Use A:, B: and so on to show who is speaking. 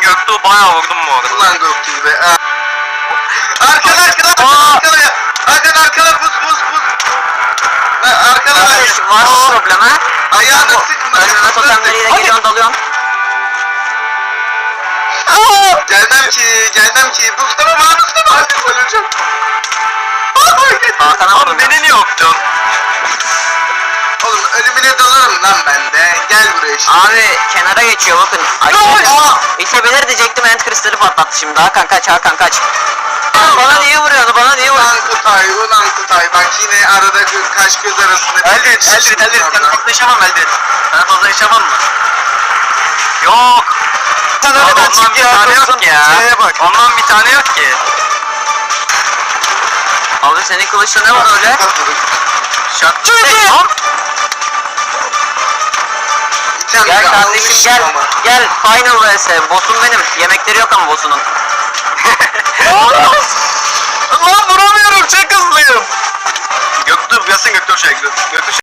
A: Göktuğ bayağı vurdum bu arada.
B: Ulan Göktuğ be. Arkada
C: Kardeş var mı problem ha?
B: Ayağını sıkma.
C: Önüme totemleriyle geliyorsun dalıyorsun.
B: Gelmem ki. Mustafa. Öleceğim.
C: Hakan'a vurdum.
A: Oğlum beni niye öptün?
B: Oğlum ölümüne dalarım lan ben de. Gel buraya şimdi.
C: Abi kenara geçiyor bakın. Ay, İtebilir diyecektim, end kristali patlattı şimdi. Hakan kaç. Bana niye vuruyorsun?
B: Ulan Kutay. Bak yine arada kaş göz arasında.
A: Eldir. Sen fazla yaşamam Eldir. Sen fazla yaşamam mı? Yok.
C: Sen
A: Oğlum,
C: öyle
A: ondan bir tane yok ki ya. Ondan bir tane yok ki.
C: Abi senin kılıçta ne var öyle?
A: Şak.
C: Gel kardeşim gel final vs. Boss'um benim. Yemekleri yok ama boss'unun.
A: Lan vuramıyorum, çok hızlıyım. Göktuğ gelsin, Göktuğ